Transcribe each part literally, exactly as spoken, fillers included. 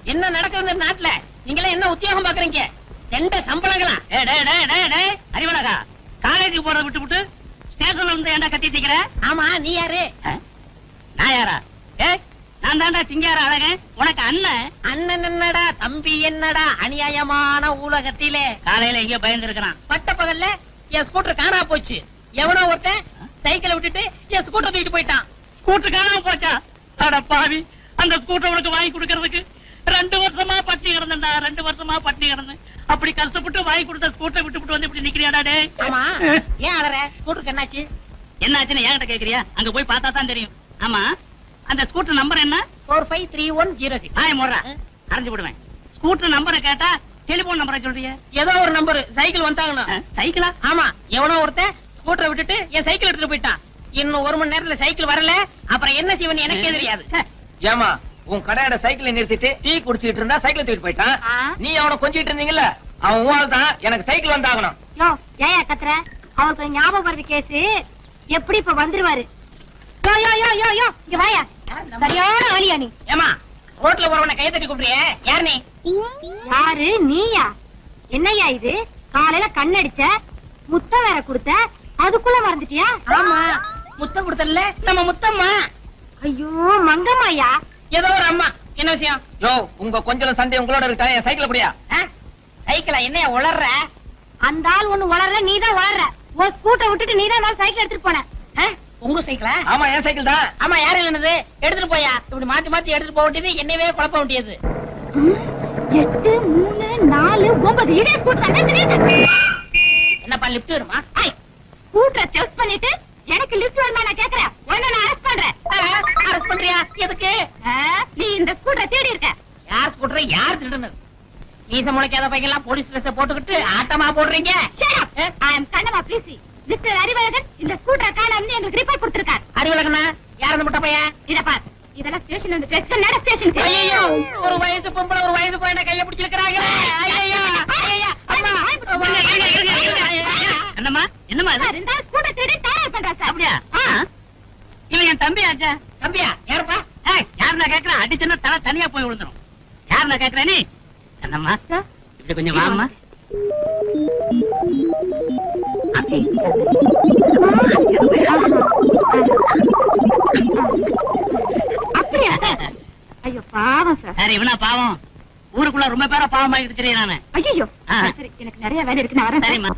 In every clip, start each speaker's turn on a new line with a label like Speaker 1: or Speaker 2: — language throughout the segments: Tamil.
Speaker 1: என்ன நடக்குது நாட்டுல? நீங்க என்ன உத்தியோகம் பாக்குறீங்க? எந்த சம்பளங்களா?
Speaker 2: அறிவழகா, காலேஜுக்கு போறத விட்டு விட்டு ஸ்டேஷன்ல இருந்து ஏன்டா கத்தி தீக்கிற?
Speaker 1: ஆமா, நீ யாரு?
Speaker 2: நான் யாரா? ஏ, நான் தாண்டா சிங்கார அழகன், உனக்கு அண்ணன்.
Speaker 1: அண்ணன் என்னடா, தம்பி என்னடா? அநியாயமான உலகத்திலே
Speaker 2: காலையில எங்கேயோ பயந்து இருக்கிறான்.
Speaker 1: பட்ட பகல்ல என் ஸ்கூட்டர் காணா போச்சு. எவனோ ஒருத்தன் சைக்கிளை விட்டுட்டு என் ஸ்கூட்டர் தூக்கிட்டு போயிட்டான்.
Speaker 2: ஸ்கூட்டர் காணாம போச்சா? அட பாவி, அந்த ஸ்கூட்டர் உனக்கு வாங்கி கொடுக்கறதுக்கு ரெண்டு வருஷமா பட்டி கிடந்தா, ரெண்டு வருஷமா பட்டி கிடந்தேன். அப்படி கஷ்டப்பட்டு வாங்கி கொடுத்த ஸ்கூட்டரை விட்டு வந்து இப்படி நிக்கிறியாடா? டே,
Speaker 1: ஆமா, ஏன் அலற? ஸ்கூட்டருக்கு என்னாச்சு?
Speaker 2: என்னாச்சுன்னு என்கிட்ட கேக்குறியா? அங்க போய் பார்த்தா தான் தெரியும். ஆமா, அந்த ஸ்கூட்டர் நம்பர் என்ன?
Speaker 1: Four five three one zero six.
Speaker 2: ஆய முடுறா, அரைஞ்சு விடுவேன். ஸ்கூட்டர் நம்பரை கேட்டா டெலிபோன் நம்பரை சொல்றிய?
Speaker 1: ஏதோ ஒரு நம்பர். சைக்கிள் வந்தாங்கண்ணா.
Speaker 2: சைக்கிளா?
Speaker 1: ஆமா, எவனோ ஒருத்தன் ஸ்கூட்டரை விட்டுட்டு என் சைக்கிள் எடுத்துட்டு போயிட்டான். இன்னும் ஒரு மணி நேரத்துல சைக்கிள் வரல, அப்புறம் என்ன செய்வன்னு எனக்கே தெரியாது.
Speaker 3: ஏமா, உன் கடையோட சைக்கிளை நிறுத்திட்டு டீ குடிச்சிட்டு இருந்தா சைக்கிள் தூக்கிட்டு போயிட்டான். நீ அவனை கொஞ்சிட்டு இருந்தீங்கல்ல, அவன் ஊழல் தான். எனக்கு சைக்கிள் வந்தாகணும்.
Speaker 4: யோ, ஏயா கத்துற? அவனுக்கு ஞாபகம் வருது கேஸ். எப்படி இப்ப வந்துருவாரு? யோ யோ யோ யோ யோ, இங்க வாயா. சரியான ஆளியா நீ?
Speaker 1: ஏமா, ரோட்ல போறவனை கைய தட்டி கூப்பிடுறிய? யார் நீ?
Speaker 4: யாரு? நீயா? என்னையா இது? காலையில கண்ணடிச்ச, முத்தம் வேற கொடுத்த, அதுக்குள்ள மறந்துட்டியா?
Speaker 1: ஆமா, முத்தம் கொடுத்தல நம்ம முத்தம்மா.
Speaker 4: ஐயோ மங்கம்மாயா.
Speaker 1: ஏதோ ஒரு அம்மா. என்ன விஷயம்?
Speaker 3: யோ, உங்க கொஞ்சம் சண்டை உங்களோட இருக்கா? என் சைக்கிள் அப்படியா?
Speaker 1: சைக்கிளா? என்னைய உளர்ற?
Speaker 4: அந்த ஆள் ஒண்ணு வளர்ற, நீதான் வளர்ற. உன் ஸ்கூட்டரை விட்டுட்டு நீதான் சைக்கிள் எடுத்துட்டு போன.
Speaker 1: உங்க சைக்கிளா?
Speaker 3: ஆமா, என் சைக்கிள் தான்.
Speaker 1: ஆமா, யாரு இல்லனது? எடுத்துட்டு போயா. இப்படி மாத்தி மாத்தி எடுத்துட்டு போக வேண்டியது, என்னவே குழப்ப வேண்டியது.
Speaker 4: எட்டு மூணு நாலு ஒன்பது இதே ஸ்கூட்டர் தான் தெரியுது.
Speaker 1: என்னப்பா, லிப்ட் வருமா?
Speaker 4: ஸ்கூட்டரை செக் பண்ணிட்டு எனக்கு லிஃப்ட் வருமா நான் கேக்குறேன். உன்னை நான் அரெஸ்ட் பண்றேன்.
Speaker 1: அரெஸ்ட் பண்றியா? எதுக்கு?
Speaker 4: நீ இந்த ஸ்கூட்டரை தேடி இருக்க.
Speaker 1: யார் ஸ்கூட்டரை யார் திருடுனது? நீச முளைக்காத பையெல்லாம் போலீஸ் ட்ரெஸ் போட்டுக்கிட்டு ஆட்டமா போடுறீங்க.
Speaker 4: I am Kannamma busy. Mister Arivazhagan இந்த ஸ்கூட்டரை காணோம்னு எங்களுக்கு ரிப்போர்ட் கொடுத்திருக்கார்.
Speaker 1: அறிவழகனா? யார் அந்த முட்டை பையன்?
Speaker 4: இத பார், இதெல்லாம் ஸ்டேஷன்ல இருந்து டெஸ்ட் நட ஸ்டேஷனுக்கு.
Speaker 1: ஐயோ, ஒரு வயசு பொம்பளை ஒரு வயசு பையனை கைய பிடிச்சிருக்காங்களே. ஐயோ, ஐயோ, அம்மா.
Speaker 2: என்னம்மா, என்னம்மா இது?
Speaker 4: இந்த ஸ்கூட்டரை தேடி தயார் பண்றா சார்.
Speaker 2: அப்படியா? இவன் என் தம்பி ஆச்சா.
Speaker 1: தம்பியா? யாருப்பா?
Speaker 2: யார் நான் கேக்குறேன்? அடிச்சுன்னா தலை தனியா போய் விழுந்துரும். யார் நான் கேக்குறேன்? நீ என்னம்மா, இப்படி கொஞ்சம் வாம்மா.
Speaker 4: அப்படியா? ஐயோ பாவம் சார்.
Speaker 2: சரி, இவனா பாவம்? ஊருக்குள்ள ரொம்ப பேரா பாவம் ஆகிட்டு தெரியும் நானு.
Speaker 4: ஐயோ, சரி, எனக்கு நிறைய வேலை இருக்கு, நான் வரேன்.
Speaker 2: சரிம்மா.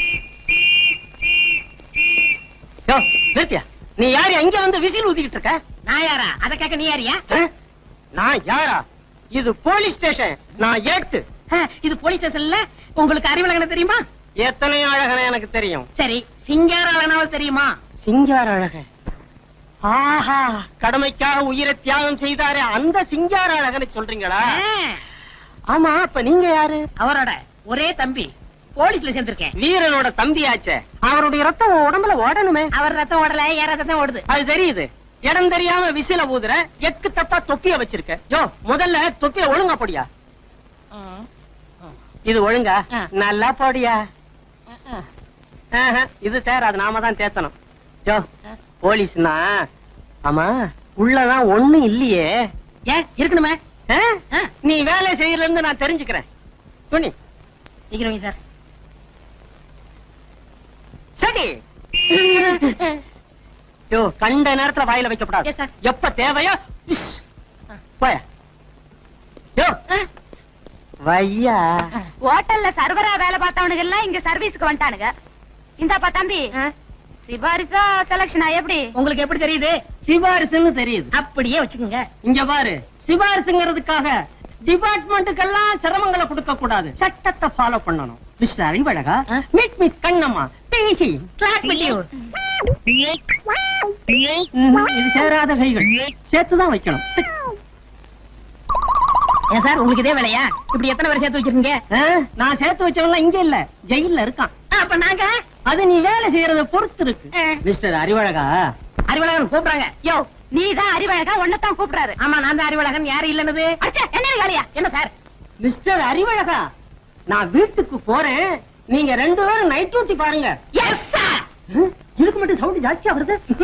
Speaker 3: யோ, நிறுத்தியா? நீ யாரு அங்க வந்து விசில் ஊதிக்கிட்டு இருக்க?
Speaker 1: நான் யாரா? அத கேட்க நீ யாரியா?
Speaker 3: நான் யாரா? இது போலீஸ் ஸ்டேஷன். நான் ஏட்டு.
Speaker 1: இது போலீஸ் ஸ்டேஷன்ல. உங்களுக்கு அறிவழகன தெரியுமா?
Speaker 3: எத்தனை அழகன எனக்கு தெரியும்.
Speaker 1: சரி, சிங்கார அழகனாவது தெரியுமா?
Speaker 3: சிங்கார அழகன்? ஆஹா, கடமைக்காக உயிரை தியாகம் செய்தாரே அந்த சிங்கார அழகனை சொல்றீங்களா? ஆமா, அப்ப நீங்க யாரு?
Speaker 1: அவரோட ஒரே தம்பி. போலீஸ்ல சேர்ந்திருக்கேன்.
Speaker 3: வீரனோட தம்பியாச்சே. அவருடைய ரத்தம் உடம்புல ஓடணுமே.
Speaker 1: அவர் ரத்தம் ஓடல, ஏன் ரத்தம் ஓடுது?
Speaker 3: அது தெரியுது. இடம் தெரியாம விசில ஊதுற, எக்கு தப்பா தொப்பிய வச்சிருக்க. யோ, முதல்ல தொப்பிய ஒழுங்கா போடியா. இது ஒழுங்கா? நல்லா போடியா. இது தேர, அது நாம தான் தேத்தணும். யோ, போலீஸ்னா ஆமா உள்ளதான் ஒண்ணு இல்லையே.
Speaker 1: ஏன் இருக்கணுமே?
Speaker 3: நீ வேலை செய்யறதுல இருந்து நான் தெரிஞ்சுக்கிறேன். துணி
Speaker 1: சீக்கிரம் சார்.
Speaker 3: சரி. யோ, கண்ட நேரத்துல வாயில வைக்கப்படாது. எப்ப தேவையோ போய. யோ, வையா.
Speaker 4: ஹோட்டல்ல சர்வரா வேலை பார்த்தவனுங்க எல்லாம் இங்க சர்வீஸ்க்கு வந்துட்டானுங்க. இந்தாப்பா தம்பி, சிபாரிசா செலக்ஷனா எப்படி?
Speaker 1: உங்களுக்கு எப்படி தெரியுது?
Speaker 3: சிபாரிசுன்னு தெரியுது.
Speaker 1: அப்படியே வச்சுக்கோங்க.
Speaker 3: இங்க பாரு, சிபாரிசுங்கிறதுக்காக டிபார்ட்மெண்ட்டுக்கெல்லாம் சிரமங்களை கொடுக்க கூடாது. சட்டத்தை ஃபாலோ பண்ணணும். மிஸ்டர் அறிவழகா, மீட் மிஸ் கண்ணம்மா, பேசி இது சேராத கைகள் சேர்த்துதான் வைக்கணும்.
Speaker 1: ஏன் சார், உங்களுக்கு இதே வேலையா? இப்படி எத்தனை பேர் சேர்த்து வச்சிருக்கீங்க?
Speaker 3: நான் சேர்த்து வச்சவங்க இங்க இல்ல, ஜெயில இருக்கான்.
Speaker 1: அப்ப நாங்க?
Speaker 3: அது நீ வேலை செய்யறத பொறுத்து இருக்கு. மிஸ்டர் அறிவழகா.
Speaker 1: அறிவழகன் கூப்பிடுறாங்க.
Speaker 4: யோ, நீதான் அறிவழகா, ஒன்னதான் கூப்பிடுறாரு.
Speaker 1: ஆமா, நான் தான் அறிவழகன். யாரு இல்லனது?
Speaker 4: என்ன வேலையா?
Speaker 1: என்ன சார்?
Speaker 3: மிஸ்டர் அறிவழகா, நான் வீட்டுக்கு போறேன். நீங்க ரெண்டு பேரும் நைட் டியூட்டி பாருங்க.
Speaker 1: Yes sir.
Speaker 3: இதுக்கு மட்டும் சவுண்ட் ஜாஸ்தியா வருது.